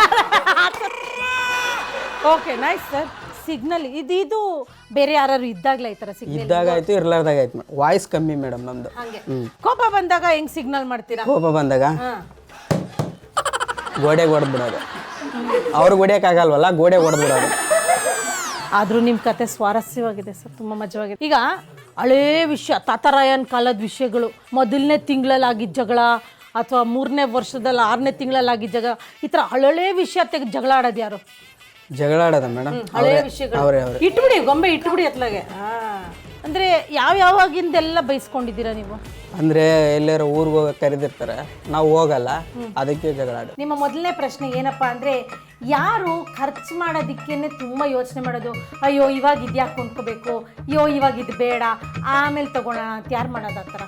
Speaker 1: Okay nice sir. ಸಿಗ್ನಲ್ ಇದು ಇದು ಬೇರೆ ಯಾರು ಇದ್ದಾಗಲೇ ಈ ಥರ ಸಿಗ್ನಲ್
Speaker 14: ಇದ್ದಾಗ ಆಯ್ತು ಇರ್ಲಾರ್ದಾಗ ಆಯ್ತು. ವಾಯ್ಸ್ ಕಮ್ಮಿ ಮೇಡಮ್ ನಮ್ದು.
Speaker 1: ಹಂಗೆ
Speaker 14: ಹ್ಮ್
Speaker 1: ಕೋಪ ಬಂದಾಗ ಹೆಂಗ್ ಸಿಗ್ನಲ್ ಮಾಡ್ತೀರಾ?
Speaker 14: ಕೋಪ ಬಂದಾಗ
Speaker 1: ಹಾ.
Speaker 14: ಗೋಡೆಗೆ ಹೊಡೆದು ಬಿಡೋದು. ಅವ್ರಿಗೆ ಹೊಡಿಯೋಕ್ಕಾಗಲ್ವಲ್ಲ, ಗೋಡೆಗೆ ಹೊಡೆದು ಬಿಡೋದು.
Speaker 1: ಆದರೂ ನಿಮ್ಮ ಕತೆ ಸ್ವಾರಸ್ಯವಾಗಿದೆ ಸರ್, ತುಂಬ ಮಜವಾಗಿದೆ. ಈಗ ಹಳೇ ವಿಷಯ, ತಾತರಾಯನ್ ಕಾಲದ ವಿಷಯಗಳು, ಮೊದಲನೇ ತಿಂಗಳಲ್ಲಿ ಆಗಿದ್ದ ಜಗಳ ಅಥವಾ ಮೂರನೇ ವರ್ಷದಲ್ಲಿ ಆರನೇ ತಿಂಗಳಲ್ಲಿ ಆಗಿದ್ದ ಜಗಳ, ಈ ಥರ ಹಳೇ ವಿಷಯ ತೆಗೆದು ಜಗಳ ಆಡೋದು ಯಾರು?
Speaker 14: ಜಗಳ ಆಡೋದ ಮೇಡಮ್?
Speaker 1: ಹಳೇ ವಿಷಯಗಳು
Speaker 14: ಅವರೇ ಅವರೇ.
Speaker 1: ಇಟ್ಬಿಡಿ, ಗೊಂಬೆ ಇಟ್ಬಿಡಿ ಅತ್ಲಾಗೆ. ಅಂದರೆ ಯಾವ ಯಾವಾಗಿಂದೆಲ್ಲ ಬೈಸ್ಕೊಂಡಿದ್ದೀರಾ ನೀವು?
Speaker 14: ಅಂದರೆ ಎಲ್ಲಾರು ಊರಿಗೆ ಹೋಗಕ್ಕೆ ಕರೆದಿರ್ತಾರೆ, ನಾವು ಹೋಗಲ್ಲ, ಅದಕ್ಕೆ ಜಗಳ ಆಡೋದು.
Speaker 1: ನಿಮ್ಮ ಮೊದಲನೇ ಪ್ರಶ್ನೆ ಏನಪ್ಪ ಅಂದರೆ, ಯಾರು ಖರ್ಚು ಮಾಡೋದಕ್ಕೇನೆ ತುಂಬ ಯೋಚನೆ ಮಾಡೋದು? ಅಯ್ಯೋ ಇವಾಗ ಇದು ಯಾಕೆ ಕೊಂಡ್ಕೋಬೇಕು, ಅಯ್ಯೋ ಇವಾಗ ಇದು ಬೇಡ, ಆಮೇಲೆ ತಗೊಳ್ಳೋಣ ಅಂತ ಯಾರು ಮಾಡೋದು ಆ ಥರ?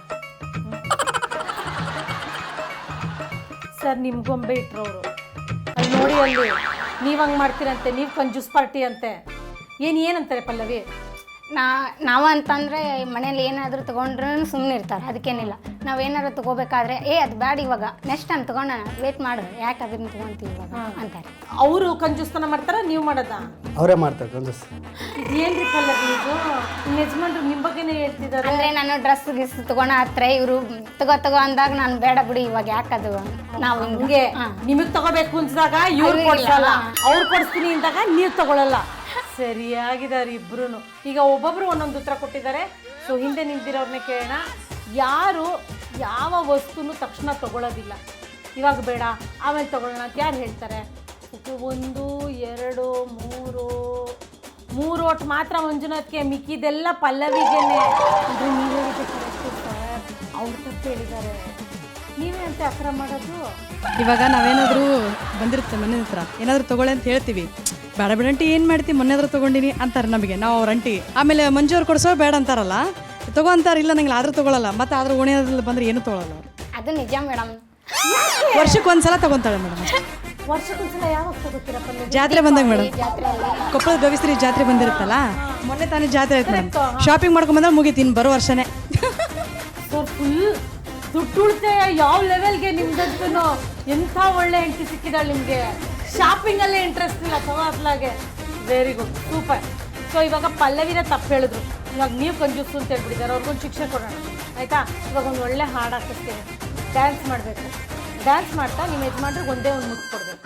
Speaker 1: ಸರ್ ನಿಮ್ಮ ಗೊಂಬೆ ಇಟ್ರವರು ಅಲ್ಲಿ ನೋಡಿ, ಅಲ್ಲಿ ನೀವು ಹಂಗೆ ಮಾಡ್ತೀರಂತೆ, ನೀವು ಕಂಜೂಸ್ ಪಾರ್ಟಿ ಅಂತೆ. ಏನು ಏನಂತಾರೆ ಪಲ್ಲವಿ?
Speaker 15: ನಾ ನಾವು ಅಂತಂದರೆ ಮನೇಲಿ ಏನಾದರೂ ತೊಗೊಂಡ್ರೂ ಸುಮ್ಮನೆ ಇರ್ತಾರೆ, ಅದಕ್ಕೇನಿಲ್ಲ. ನಾವು ಏನಾದ್ರು ತೊಗೋಬೇಕಾದ್ರೆ ಏ ಅದು ಬ್ಯಾಡ ಇವಾಗ, ನೆಕ್ಸ್ಟ್ ಟೈಮ್ ತೊಗೊಂಡೋಣ, ವೇಟ್ ಮಾಡು, ಯಾಕೆ ಅದನ್ನು ತೊಗೊತೀವಿ ಇವಾಗ ಅಂತಾರೆ.
Speaker 1: ಅವರು ಕಂಜೂಸ್ತನ ಮಾಡ್ತಾರ, ನೀವು ಮಾಡೋದಾ?
Speaker 14: ಅವರೇ ಮಾಡ್ತಾರೆ ಕಂಜೂಸ್.
Speaker 1: ಇದೇನ್ರಿ ಪಲ್ಲವಿ ಇದು? ನಿಮ್ಮ ಯಜಮಾನ್ರು ನಿಮ್ಮ ಬಗ್ಗೆನೇ ಹೇಳ್ತಿದ್ದಾರೆ.
Speaker 15: ಅಂದರೆ ನಾನು ಡ್ರೆಸ್ ಗಿಸ್ ತೊಗೊಳ ಹತ್ರ ಇವರು ತಗೋ ತಗೋ ಅಂದಾಗ ನಾನು ಬೇಡ ಬಿಡಿ ಇವಾಗ ಯಾಕದು, ನಾವು
Speaker 1: ಹಿಂಗೆ ನಿಮಗೆ ತಗೋಬೇಕು ಅನ್ಸಿದಾಗ ಇವ್ರು ಕೊಡ್ಸಲ್ಲ, ಅವ್ರು ಕೊಡಿಸ್ತೀನಿ ಅಂದಾಗ ನೀವು ತಗೊಳ್ಳಲ್ಲ. ಸರಿಯಾಗಿದ್ದಾರೆ ಇಬ್ರು. ಈಗ ಒಬ್ಬೊಬ್ರು ಒಂದೊಂದು ಉತ್ತರ ಕೊಟ್ಟಿದ್ದಾರೆ. ಸೊ ಹಿಂದೆ ನಿಂತಿರೋರ್ನೇ ಕೇಳೋಣ. ಯಾರು ಯಾವ ವಸ್ತುನು ತಕ್ಷಣ ತಗೊಳ್ಳೋದಿಲ್ಲ, ಇವಾಗ ಬೇಡ ಆಮೇಲೆ ತಗೊಳ್ಳೋಣ ಅಂತ ಯಾರು ಹೇಳ್ತಾರೆ? ಒಂದು ಎರಡು ಮೂರು ಮೂರು ಒಟ್ಟು ಮಾತ್ರ ಮಂಜುನಾಥ್ಗೆ, ಮಿಕ್ಕಿದೆಲ್ಲ ಪಲ್ಲವಿಗೇನೆ. ಅಂದರೆ ನೀವು ಹೇಳಿದೆ ಕರೆಕ್ಟು ಸರ್, ಅವ್ರು ತಪ್ಪು ಹೇಳಿದ್ದಾರೆ. ನೀವೇ ಅಂತ ಅಕ್ರ ಮಾಡೋದು.
Speaker 16: ಇವಾಗ ನಾವೇನಾದರೂ ಬಂದಿರುತ್ತೆ ಮನೆ ಹತ್ರ, ಏನಾದರೂ ತೊಗೊಳ್ಳಿ ಅಂತ ಹೇಳ್ತೀವಿ, ಬೇಡ ಬೇಡಂಟಿ ಏನು ಮಾಡ್ತೀವಿ ಮೊನ್ನೆ ಆದರೂ ತೊಗೊಂಡಿನಿ ಅಂತಾರೆ ನಮಗೆ, ನಾವು ಅವ್ರ ಅಂಟಿ. ಆಮೇಲೆ ಮಂಜೂರು ಕೊಡಿಸೋ ಬೇಡ ಅಂತಾರಲ್ಲ, ತಗೋ ಅಂತಾರೆ, ಇಲ್ಲ ನಂಗೆ ಆದರೂ ತೊಗೊಳಲ್ಲ, ಮತ್ತು ಆದರೂ ಓಣಿಯಲ್ಲಿ ಬಂದರೆ ಏನೂ ತೊಗೊಳಲ್ಲ.
Speaker 15: ಅದು ನಿಜ ಮೇಡಮ್.
Speaker 16: ವರ್ಷಕ್ಕೆ ಒಂದು ಸಲ ತೊಗೊತಾಳೆ ಮೇಡಮ್.
Speaker 1: ವರ್ಷಕ್ಕೊಂದ್ಸಲ ಯಾವಾಗ ತಗೋತೀರಪ್ಪ?
Speaker 16: ಜಾತ್ರೆ ಬಂದಾಗ ಮೇಡಮ್, ಕೊಪ್ಪಳದ ಗವಿಶ್ರೀ ಜಾತ್ರೆ ಬಂದಿರುತ್ತಲ್ಲ, ಮೊನ್ನೆ ತಾನೇ ಜಾತ್ರೆ ಆಯ್ತು ಮೇಡಮ್. ಶಾಪಿಂಗ್ ಮಾಡ್ಕೊಂಬಂದ್ರೆ ಮುಗೀತೀನಿ ಬರೋ ವರ್ಷನೇ.
Speaker 1: ಸೊ ಫುಲ್ ದುಡ್ಡು ಉಳಿತಾಯ ಯಾವ ಲೆವೆಲ್ಗೆ ನಿಮ್ದಂತೂ. ಎಂಥ ಒಳ್ಳೆ ಹೆಂಡತಿ ಸಿಕ್ಕಿದಾಳೆ ನಿಮಗೆ. ಶಾಪಿಂಗಲ್ಲೇ ಇಂಟ್ರೆಸ್ಟ್ ಇಲ್ಲ ತಗೋ ಅತ್ಲಾಗೆ. Very good, super. ಸೊ ಇವಾಗ ಪಲ್ಲವಿನ ತಪ್ಪು ಹೇಳಿದ್ರು, ಇವಾಗ ನೀವು ಕಂಜೂಸು ಅಂತ ಹೇಳ್ಬಿಟ್ಟಿದ್ದಾರೆ, ಅವ್ರಿಗೊಂದು ಶಿಕ್ಷೆ ಕೊಡೋಣ ಆಯಿತಾ? ಇವಾಗ ಒಂದು ಒಳ್ಳೆ ಹಾಡು ಹಾಕಿಸ್ತೀನಿ, ಡ್ಯಾನ್ಸ್ ಮಾಡಬೇಕು. ಡ್ಯಾನ್ಸ್ ಮಾಡ್ತಾ ನಿಮ್ಮ ಯಜಮಾನ್ರಿಗೆ ಒಂದೇ ಒಂದು ಮುತ್ತು ಕೊಡಬೇಕು.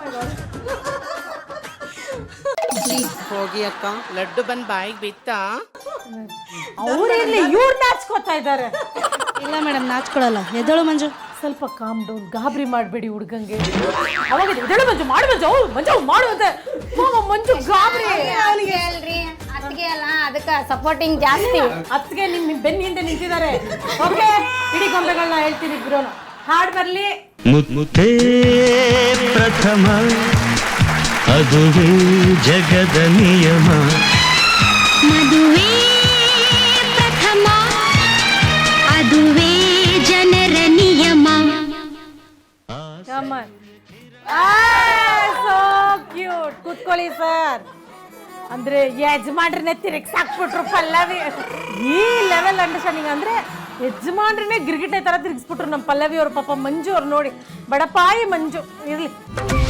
Speaker 17: ಹೋಗಿ ಅಕ್ಕ, ಲಡ್ಡು ಬಂದು ಬಾಯಿಗೆ ಬಿತ್ತಾ?
Speaker 1: ಅವ್ರಿರ್ಲಿ, ಇವ್ರು ನಾಚ್ಕೋತಾ ಇದ್ದಾರೆ.
Speaker 16: ಇಲ್ಲ ಮೇಡಮ್, ನಾಚ್ಕೊಳಲ್ಲ. ಎದಳು ಮಂಜು,
Speaker 1: ಸ್ವಲ್ಪ ಕಾಮ್ ಡೌನ್, ಗಾಬರಿ ಮಾಡಬೇಡಿ ಹುಡುಗಂಗೆ. ಅವಾಗ ಎದಳು ಮಂಜು, ಮಾಡು ಮಂಜು, ಅವ್ರು ಮಂಜು ಮಾಡುವಂತೆ. ಮಂಜು ಗಾಬರಿ.
Speaker 15: ಅವನಿಗೆ ಹೇಳ್ರಿ, ಅತ್ತಿಗೆ ಅಲ್ಲ, ಅದಕ್ಕೆ ಸಪೋರ್ಟಿಂಗ್ ಜಾಸ್ತಿ.
Speaker 1: ಅತ್ತಿಗೆ ನಿಮ್ಮ ಬೆನ್ನ ಹಿಂದೆ ನಿಂತಿದ್ದಾರೆ. ಓಕೆ, ಇಡೀ ಗೊಂಬೆಗಳನ್ನ ಹೇಳ್ತೀನಿ ಇಬ್ರು. ಹಾಡು ಬರಲಿ.
Speaker 4: ಮುತ್ತೇ ಪ್ರಥಮ, ಅದುವೇ ಜಗದ ನಿಯಮ.
Speaker 18: ಮದುವೆ ಪ್ರಥಮ, ಅದುವೇ ಜನರ ನಿಯಮ.
Speaker 1: So cute. ಕೂತ್ಕೊಳ್ಳಿ ಸರ್. ಅಂದ್ರೆ ಯಜಮಾನ್ರನ್ನೇ ತಿರುಗಿಸಾಕ್ಬಿಟ್ರು ಪಲ್ಲವಿ. ಈ ಲೆವೆಲ್ ಅಂಡರ್ಸ್ಟ್ಯಾಂಡಿಂಗ್ ಅಂದ್ರೆ ಯಜಮಾನ್ರನ್ನೇ ಗಿರ್ಗಿಟೆ ತರ ತಿರುಗಿಸ್ಬಿಟ್ರು ನಮ್ಮ ಪಲ್ಲವಿ ಅವ್ರ. ಪಾಪ ಮಂಜು ಅವ್ರು ನೋಡಿ, ಬಡಪಾಯಿ ಮಂಜು. ಇರ್ಲಿ.